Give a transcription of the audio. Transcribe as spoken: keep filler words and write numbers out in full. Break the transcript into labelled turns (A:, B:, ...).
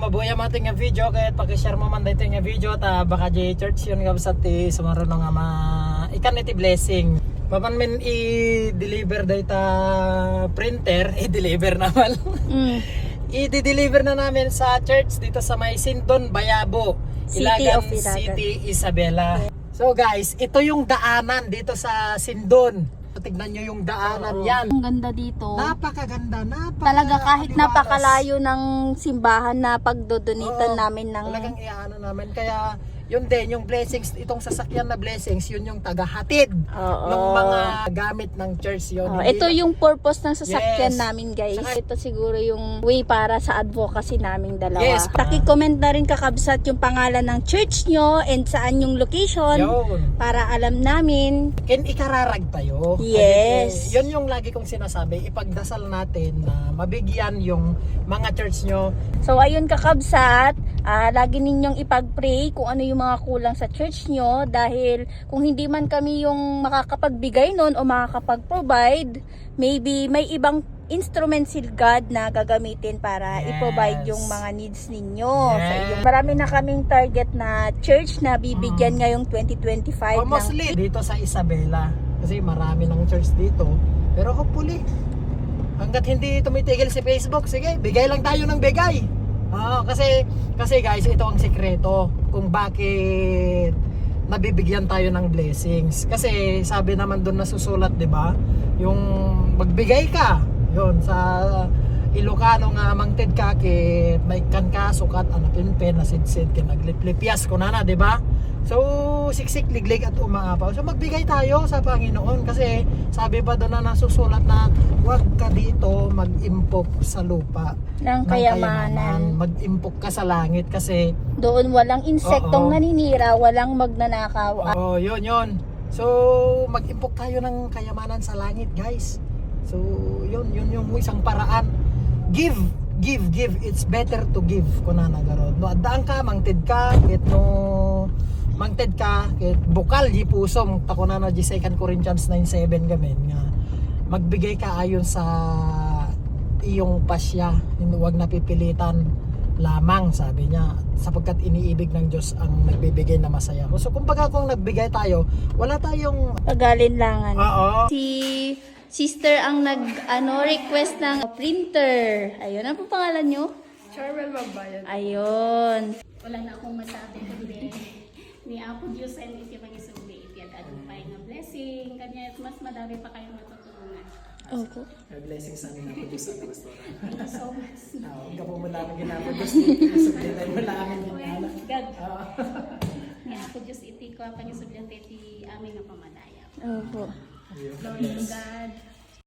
A: mabuhay ang ating nga video kahit pag-share mo man dito nga video ta baka di church yun nga sa ti sumaro nga ma ikan iti blessing. Paman men i-deliver data printer, i-deliver naman. Mm. I-deliver na namin sa church dito sa may Sindon, Bayabo,
B: City
A: Ilagan
B: of Ilagan.
A: City, Isabela. So guys, ito yung daanan dito sa Sindon. Tignan nyo yung daanan. Oo. Yan.
B: Ang ganda dito.
A: Napakaganda, napaka
B: Talaga kahit
A: kaliwalas.
B: napakalayo ng simbahan na pagdodonitan
A: Oo,
B: namin ng...
A: Talagang iaano namin. Kaya yun din, yung blessings, itong sasakyan na blessings, yun yung tagahatid ng mga gamit ng church yun.
B: Oh,
A: Hindi
B: ito
A: lang-
B: yung purpose ng sasakyan
A: Yes.
B: namin, guys.
A: Saka-
B: ito siguro yung way para sa advocacy naming dalawa.
A: Yes.
B: Paki-comment na rin kakabsat yung pangalan ng church nyo and saan yung location
A: Yun.
B: para alam namin.
A: Ken ikararag tayo.
B: Yes.
A: Kasi, yun yung lagi kong sinasabi, ipagdasal natin na mabigyan yung mga church nyo.
B: So ayun kakabsat, ah, lagi ninyong ipag-pray kung ano yung mga kulang sa church nyo dahil kung hindi man kami yung makakapagbigay nun o makakapag-provide, maybe may ibang instrument si God na gagamitin para
A: Yes.
B: i-provide yung mga needs ninyo.
A: Yes.
B: Sa iyo. Marami na kaming target na church na bibigyan
A: Mm.
B: ngayong twenty twenty-five.
A: O mostly dito sa Isabela. Kasi marami ng church dito. Pero hopefully, hanggat hindi tumitigil si Facebook, sige, bigay lang tayo ng bigay. Oo, kasi, kasi guys, ito ang sekreto kung bakit nabibigyan tayo ng blessings. Kasi sabi naman doon nasusulat, di ba? Yung magbigay ka, yun, sa Ilocano nga mangted ka, kit may kan ka, sukat, anapin pen, nasidsid, kinagliplipyas ko na na, di ba? So, siksik, liglig at umaapaw. So, magbigay tayo sa Panginoon kasi sabi pa doon na nasusulat na huwag ka dito mag-impok sa lupa
B: ng kayamanan.
A: Mag-impok ka sa langit kasi
B: Doon walang insektong
A: Oo.
B: naninira, walang magnanakaw.
A: oh, yun, yun. So, mag-impok tayo ng kayamanan sa langit, guys. So, yun, yun yung isang paraan. Give, give, give. It's better to give. Kuna nagarod. No, adaan ka, mangted ka, kit no mangted ka, kit bukal di pusom. Tako na na di Second Corinthians nine seven gamin nga. Magbigay ka ayon sa iyong pasya. Huwag napipilitan lamang, sabi niya, sapagkat iniibig ng Diyos ang nagbibigay na masaya. So kumbaga kung nagbigay tayo, wala tayong
B: Pagalinlangan.
A: oo.
B: Si sister ang nag ano request ng printer. Ayun, ano po pangalan nyo?
C: Charwell Magbayan.
B: Ayun.
D: Wala na akong masabi kundi ni Apo Diyos and iti magisugli iti agad-agupay nga blessing kanya mas madami pa kayong matutulungan.
B: Opo.
A: May blessings sa amin ako sa restaurant.
D: Thank you so much.
A: Huwag ka po mo namin ginapod Diyos dito. Sabihin mo namin
D: Well,
A: ginala.
D: God. Ni Apo Diyos iti ko ang pangisugli iti aming nga pamadaya.
B: Opo.
D: Glory to God.